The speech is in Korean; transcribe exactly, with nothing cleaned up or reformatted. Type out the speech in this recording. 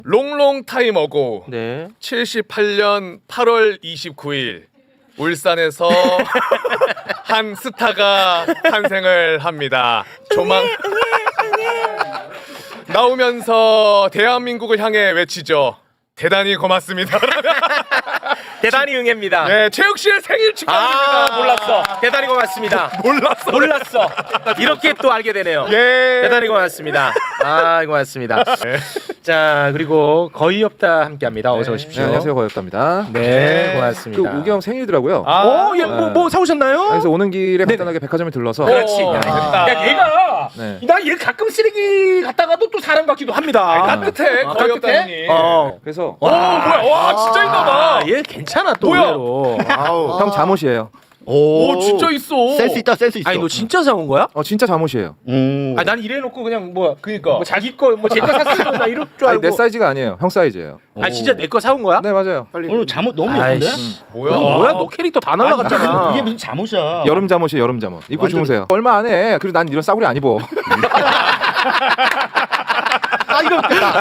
롱롱 타임 어고 네. 칠십팔 년 팔월 이십구일 울산에서 한 스타가 탄생을 합니다. 조망 나오면서 대한민국을 향해 외치죠. 대단히 고맙습니다. 대단히 응애입니다. 네, 최욱 씨의 생일 축하드립니다. 아, 몰랐어. 대단히 고맙습니다. 몰랐어. 몰랐어. 이렇게 또 알게 되네요. 예. 대단히 고맙습니다. 아, 고맙습니다. 네. 자, 그리고 거의 없다 함께합니다. 어서 오십시오. 네, 안녕하세요, 거였답니다. 네, 네. 고맙습니다. 그 우경 생일이더라고요. 아, 어, 예, 뭐, 뭐 사오셨나요? 그래서 오는 길에 간단하게 백화점에 들러서 그렇지. 오, 야, 됐다. 야, 얘가 네. 나 얘 가끔 쓰레기 갔다가도 또 사람 같기도 합니다. 따뜻해. 아, 거의 따뜻해? 없다니. 어. 그래서 오, 뭐야? 와, 진짜 있나봐. 아, 얘 괜찮아 또 뭐야? 의외로. 아우. 형 잠옷이에요. 오, 진짜 있어. 센스 있다, 센스 있어. 아니 너 진짜 사온 거야? 어 진짜 잠옷이에요. 음. 아, 난 이래놓고 그냥 뭐, 그니까. 뭐 자기 거, 뭐 제가 샀을 거나 이럴 줄 아니 알고. 내 사이즈가 아니에요. 형 사이즈예요. 아, 진짜 내 거 사온 거야? 네 맞아요. 빨리. 오늘 잠옷 너무 예쁜데? 아이씨. 뭐야? 너 뭐야? 너 캐릭터 다 날라갔잖아. 이게 무슨 잠옷이야? 여름 잠옷이에요. 여름 잠옷. 입고 완전- 주무세요. 얼마 안 해. 그리고 난 이런 싸구려 안 입어. 아 이거 웃겼다.